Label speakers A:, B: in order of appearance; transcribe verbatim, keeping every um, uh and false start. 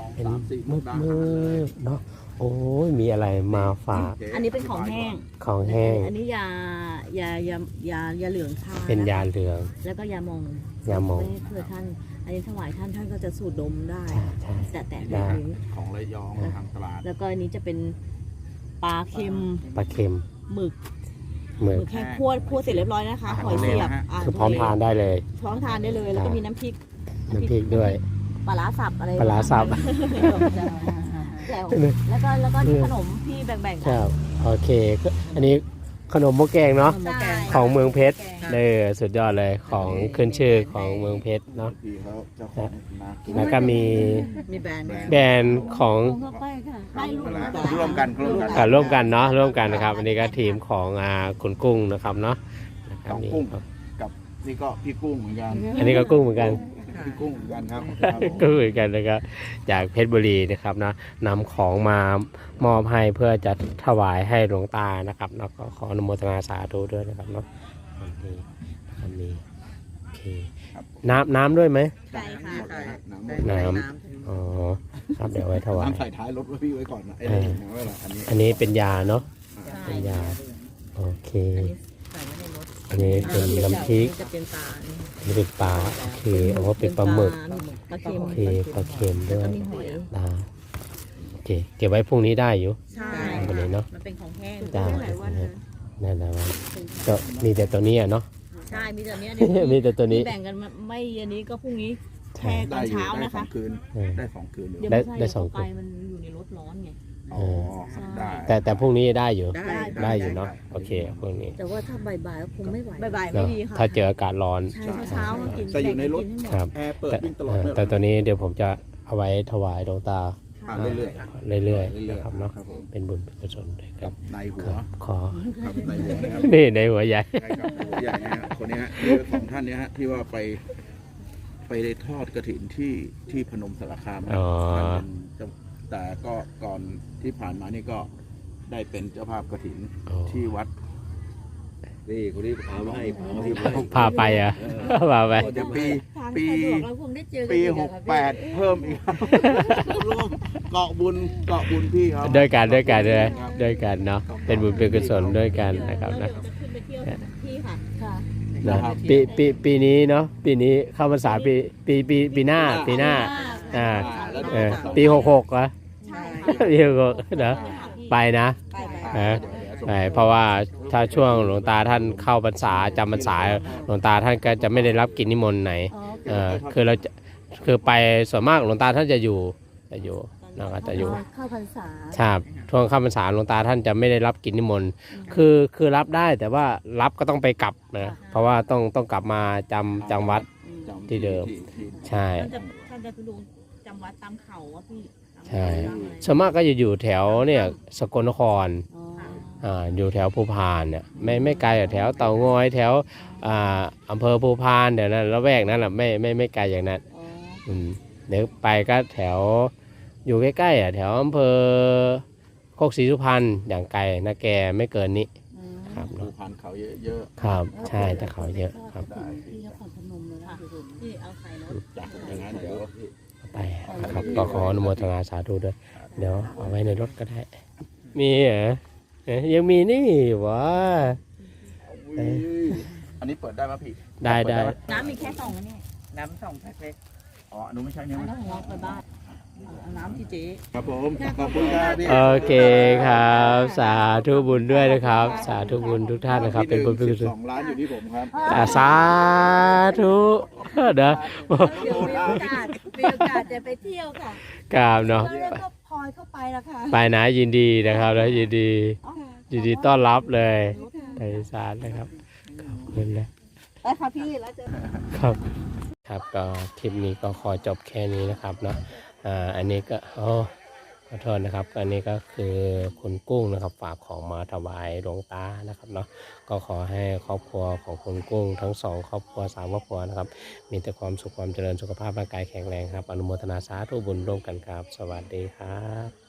A: เป็นมืดมืดเนาะโอ้ยมีอะไรมาฝาก
B: อันนี้เป็นของแห้ง
A: ของแห้ง
B: อันนี้ยายายายายาเหลืองทา
A: เป็นยาเหลือง
B: แล้วก็ยามอง
A: ยามอง
B: เพื่อท่านอันนี้ถวายท่านท่านก็จะสูดดมได้
A: ใช่ใช่
B: แต่แต่
A: ได้
B: ได้นี้
C: ของระยองทางตลาด
B: แล้วก็อันนี้จะเป็นปลาเค็ม
A: ปลาเค็ม
B: หมึก
A: หมึ
B: ห
A: ก
B: มึกแห้งคั่วคั่วเสร็จเรียบร้อยนะคะหอยเสียบอ่า
A: คือพร้อมทานได้เลย
B: พร้อมทานได้เลย แล้วก็มีน้ำพริก
A: น้ำพริกด้วย
B: ปลาร้าสับอะไร
A: ปลาร้าสับ
B: แล้วแล้วก็แล้วก็นี่ขนมพี่แบ่งๆ
A: ค
B: กัน
A: รับโอเคก็อันนี้ขนมหม้อแกงเนาะ
B: ใช่
A: ของเมืองเพชรเออสุดยอดเลยของขึ้นชื่อของเมืองเพชรเนาะ
C: พี่เขาเจ้าของนากิน
A: แล้วก็มี
B: มีแบรนด์
A: แบรนด์ของ
B: เข้าไปค่ะให้ลูก
C: ร่วมกันร่วมกัน
A: การร่วมกันเนาะร่วมกันนะครับอันนี้ก็ทีมของอ่าคุณกุ้งนะครับเนาะนะครับ
C: ของ
A: นี่
C: กุ้งกับนี่ก็พี่กุ้งเหมือนกัน
A: อันนี้ก็กุ้งเหมือนกัน
C: พี่กุ้งเหมือนกันครับ
A: ก็เหมือนกันนะครับจากเพชรบุรีนะครับนะนำของมามอบให้เพื่อจะถวายให้หลวงตานะครับเนาะก็ขออนุโมทนาสาธุด้วยนะครับเนาะอันนี้อันนี้โอเคน้ำน้ำด้วยไหม
B: ใช่ค่ะ
C: น้ำหมด
A: น้ำอ๋อครับเดี๋ยวไว้ถวาย
C: น้ำใส่ท้ายรถไว้พี่ไว้ก่อนนะไอ้
A: เออ
C: นี่ไว้ละอันนี้
A: อันนี้เป็นยาเนาะเป็นยาโอเค
B: อันนี้ใส่ไว้ในรถ
A: อันนี้เป็นน้ำพริก
B: จะเป็นปลา
A: อันนี้เป็นปลาโอเคเอาว่าเป็นปลาหมึก
B: ปลาเค็ม
A: โอเคปลาเค็มด้วย
B: มีหอย
A: ได้โอเคเก็บไว้พรุ่งนี้ได้อยู่
B: ใช่
A: วันนี้เนาะ
B: มันเป็นของแห้ง
A: จ้า
B: หลายวันนะ
A: นั่นนะว่าก็มีแต่ตัวนี้อะเนาะ
B: ใช่มีแต่เนี้ยเดี๋ยว
A: มีแต่ตัวนี้
B: แบ่งกันมาไม่อันนี้ก็พรุ่งนี้
A: ใช่
B: แช่ตอนเช้า
C: ได้
B: นะ
C: สอ
B: คะ
C: งคืน
A: เออ
C: ได้สองคืนอยู่
B: เดี๋ยว
A: ได้
B: ไม่ใช่
A: ได้สอง
B: เดี๋ยว
A: คน
B: ไปมันอยู่ในรถร้อนไง
C: อ๋อครับได้
A: แต่แต่พรุ่งนี้ได้อยู่
B: ได้
A: ได้อยู่เนาะโอเคพรุ่งนี้
B: แต่ว่าถ้าบ่ายๆก็คงไม่ไหวบ่ายๆไม่
A: เนาะ
B: ดีค่ะ
A: ถ้าเจออากาศร้อน
B: ใช่เช้าๆมากิน
C: แต่อยู่ในรถ
B: กิให้หมด
A: ครับ
C: แอร์เปิด
A: แต่
C: วิ่งตลอ
A: เอ
C: ด
A: อ
C: เลย
A: แต่ตัวนี้เดี๋ยวผมจะเอาไว้ถวายหลวงตา
C: อ่าเรื่อยๆ
A: เรื่อยๆ
C: เรื่อย
A: นะครับ
C: ๆ
A: เนาะ
C: ครับผม
A: เป็นบุญเป็นกุศลด้วยค
C: กั
A: รั
C: บบ ในหั
A: คว รับขอ
C: ครับในหัวนะครับ
A: นี่ในหัวใหญ่
C: ใช่ครับหัวใหญ่เนี่ยฮะคนเนี้ยฮะคือของท่านเนี้ยฮะที่ว่าไปไปได้ทอดกระถินที่ที่พนมสารคาม
A: อ๋อ
C: ท่านเป็นเจ้าแต่ก็ก่อนที่ผ่านมานี่ก็ได้เป็นเจ้าภาพกระถิน
A: อ๋อ
C: ที่วัด
D: นี่คนนี้พามาให้พามาให้
A: พาไปอ่ะพาไป
C: เดี๋ยวปี
B: ทาง
C: ปี
B: สะดวกเราคงได้เจอกัน
C: ปี
B: อี
C: ห
B: อะ
C: ก
B: ค่ะ
C: แปดเพิ่มอีกครับร่วมเกาะบุญเกาะบุญพี่ครับ
A: ด้วยกันด้วยกันด้วย
C: ครับ
A: ด้วยกันเนาะเป็นบุญเป็นกุศลด้วยกันนะครับ
B: แล้ว
A: นะ
B: เดี๋ยวจะขึ้นไปเที่ยวที่ค่ะค่ะ
A: นะปีปีปีนี้เนาะปีนี้เข้าพรรษาปีปีปีปีหน้าปีหน้าอ่าเออปีหกหกเหรอ
B: ใช่
A: ปีหกหกเนาะไปนะ
B: ไปไป
A: เออไปเพราะว่าถ้าช่วงหลวงตาท่านเข้าพรรษาจำพรรษาหลวงตาท่านก็จะไม่ได้รับกิจนิมนต์ไหน
B: อ๋อ
A: เออคือเราจะคือไปส่วนมากหลวงตาท่านจะอยู่จะอยู่นะครับจะอยู่
B: เข้าพรรษา
A: ใช่ช่วงเข้าพรรษาหลวงตาท่านจะไม่ได้รับกิจนิมนต์คือคือรับได้แต่ว่ารับก็ต้องไปกลับนะเพราะว่าต้องต้องกลับมาจำจำวัด
C: จำ
A: ที่เดิม
C: ที่
A: ใช่
B: ท่านจะท่านจะดูจำวัดตามเขาอะพี่
A: ใช่ส่วนมากก็จะอยู่แถวเนี่ยสกลนคร
B: อ๋อ
A: อ่าอยู่แถวภูพานเนี่ยไม่ไม่ไกลจากแถวเตางอยแถวอ่าอำเภอภูพานเดี๋ยวนั้นละแวกนั้นแหละไม่ไม่ไม่ไกลอย่างนั้น
B: อ๋อ
A: อืมเดี๋ยวไปก็แถวอยู่ใกล้ๆอ่ะแถวอำเภอโคกศรีสุพรรณอย่างไกลนะแกไม่เกินนี้
B: อืม
A: ครับ
C: ภู
A: เนาะ
C: พานเขาเยอะ
A: ครับใช่แต่เขาเยอะครับ
B: ที่นครพนมเลยนะที่เอาใส่รถ
C: ๆจ้ะอย่างนั้นเดี๋ยว
A: ไปครับก็ขออนุโมทนาสาธุด้วยเดี๋ยวเอาไว้ในรถก็ได้ มีเหรอเอ๊ะยังมีนี่หวะ
C: อุ้ยอันนี้เปิดได้ไหมพี่
A: ได้ได้
C: เปหม
B: น้ำมีแค่สองอันนี้
D: น้ำสองแพ็คเล็ก
C: อ๋ออันนู้นไม่ใช่เนี่ย
B: น้ำของเราไปบ้านเอาน้ำที่เจ๊
C: ครับผมขอบคุณครับพี่
A: โอเคครับ สาธุบุญด้วยนะครับ สาธุบุญทุกท่านนะครับ เป็นบุญเป็นกุศ
C: ส
A: ล
C: องล้านอยู่ที่ผมครับ
A: อ่าสาธุเด้อ
B: เดี๋ยวมีโอกาสมีโอกาสจะไปเที่ยวค่ะ
A: กราบเนาะ
B: แล้วก็พลอยเข้าไปแล้วค่ะ
A: ไปนะยินดีนะครับแล้วยินดียินดีต้อนรับเลยไทยสารนะครับขอบคุณนะ
B: ไปค่ะพี่แล้วเจอ
A: ครับครับก็คลิปนี้ก็ขอจบแค่นี้นะครับเนาะอ่าอันนี้ก็โอ้ขอโทษนะครับอันนี้ก็คือคุณกุ้งนะครับฝากของมาถวายหลวงตานะครับเนาะก็ขอให้ครอบครัวของคุณกุ้งทั้งสองครอบครัวสามครอบครัวนะครับมีแต่ความสุขความเจริญสุขภาพร่างกายแข็งแรงครับอนุโมทนาสาธุบุญร่วมกันครับ สวัสดีครับ